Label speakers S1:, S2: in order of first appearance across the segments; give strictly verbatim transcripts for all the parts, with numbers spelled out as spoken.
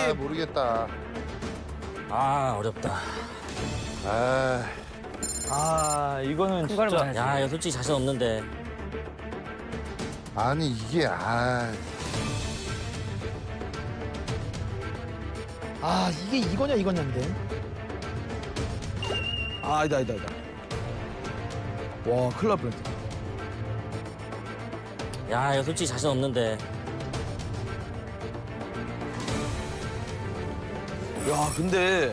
S1: 아, 모르겠다.
S2: 아, 어렵다.
S1: 아,
S3: 아, 이거는 진짜.
S2: 야, 이거 솔직히 자신 없는데.
S1: 아니 이게 아,
S4: 아 이게 이거냐 이거냐인데.
S5: 아, 아니다, 아니다, 아니다. 와, 큰일 날 뻔했다.
S2: 야, 이거 솔직히 자신 없는데.
S5: 야, 근데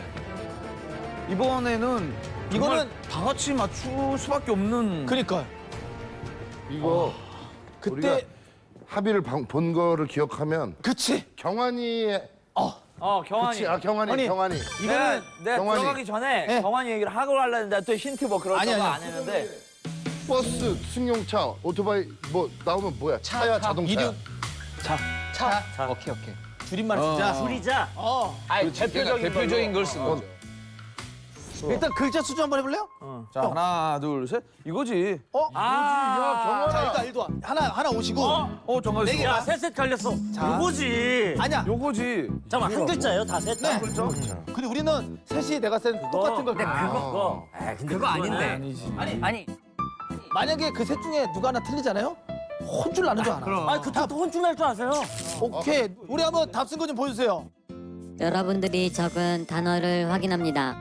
S5: 이번에는
S4: 이거는-
S5: 이거는 다 같이 맞출 수밖에 없는.
S4: 그러니까
S1: 이거
S4: 그때
S1: 우리가 합의를 방- 본 거를 기억하면
S4: 그치.
S1: 경환이
S3: 어, 경환이.
S1: 그치, 아 경환이
S4: 아니,
S1: 경환이
S3: 내가, 내가
S1: 경환이.
S3: 들어가기 전에
S4: 네.
S3: 경환이 얘기를 하고 하려는데 또 힌트 뭐 그런
S4: 아니,
S3: 거
S4: 아니.
S3: 안 했는데.
S1: 버스, 승용차, 오토바이 뭐 나오면 뭐야? 차야 자동차야.
S4: 이륙. 자, 차. 자, 오케이 오케이. 줄임말 쓰자.
S2: 둘이자.
S4: 어.
S3: 아니, 대표적인,
S5: 대표적인 걸 쓰는 거죠.
S4: 일단 글자 수준 한번 해볼래요?
S5: 자, 하나, 둘, 셋. 이거지.
S4: 어?
S3: 아,
S4: 자 일단 일도 하나 하나 오시고.
S5: 어, 정말
S4: 네 개.
S2: 야, 셋셋 갈렸어. 요거지.
S4: 아니야.
S5: 요거지.
S2: 잠깐만, 한 글자예요, 다 셋?
S4: 네.
S5: 그렇죠?
S4: 근데 우리는 셋이 내가 쓴 똑같은 걸.
S2: 근데
S4: 가.
S2: 그거. 아, 근데 그거 아닌데.
S5: 아니지.
S4: 아니
S2: 아니,
S4: 만약에 그 셋 중에 누가 하나 틀리잖아요? 혼줄 나는 줄 알아.
S2: 아, 그때 또 혼쭐 날 줄 아세요?
S4: 오케이. 우리 한번 답 쓴 거 좀 보여주세요.
S6: 여러분들이 적은 단어를 확인합니다.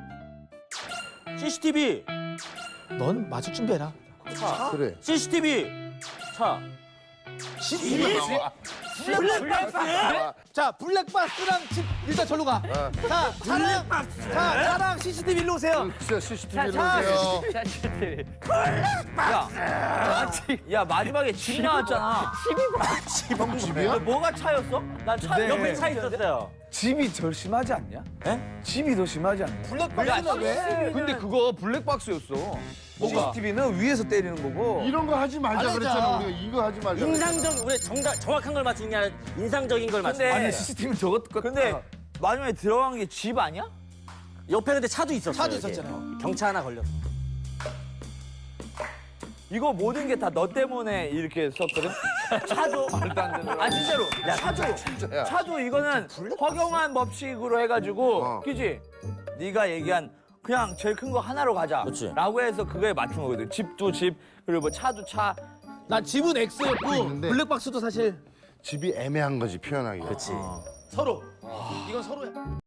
S2: 씨씨티비.
S4: 넌 맞을 준비해라.
S1: 그래.
S2: 씨씨티비. 차. 블랙박스.
S4: 자 블랙박스랑 집 일단 절로 가. 자 차랑 자 차랑 씨씨티비 일로 오세요.
S1: 진짜 씨씨티비로
S4: 자,
S1: 오세요.
S3: 야, 야 마지막에 집 나왔잖아.
S1: 형 집이야?
S3: 뭐가 차였어? 난 차,
S5: 네.
S3: 옆에 차 있었어요.
S5: 집이 덜 심하지 않냐?
S3: 에?
S5: 집이 더 심하지 않냐?
S4: 블랙박스는 왜?
S5: 근데 그거 블랙박스였어. 씨씨티비는 위에서 때리는 거고.
S1: 이런 거 하지 말자
S4: 안
S1: 그랬잖아.
S4: 하자.
S1: 우리가 이거 하지 말자.
S2: 인상적, 우리 정답, 정확한 걸 맞추는 게 아니라 인상적인 걸 맞추는
S3: 근데-
S2: 거야.
S5: 아니, 씨씨티비는 저것 같다.
S3: 근데 마지막에 들어간 게 집 아니야?
S2: 옆에 근데 차도 있었어요.
S4: 차도
S2: 이렇게.
S4: 있었잖아요.
S2: 경차 하나 걸렸어.
S3: 이거 모든 게 다 너 때문에 이렇게 썼거든? 차도. 아, 진짜로. 차도.
S1: 진짜야.
S3: 차도 이거는 허경환 법칙으로 해가지고,
S1: 어.
S3: 그지? 네가 얘기한 그냥 제일 큰 거 하나로 가자.
S2: 그치.
S3: 라고 해서 그거에 맞춘 거거든. 집도 집, 그리고 뭐 차도 차.
S4: 난 집은 X였고
S1: 있는데.
S4: 블랙박스도 사실
S1: 집이 애매한 거지 표현하기가.
S2: 그치.
S4: 서로. 이건 서로야.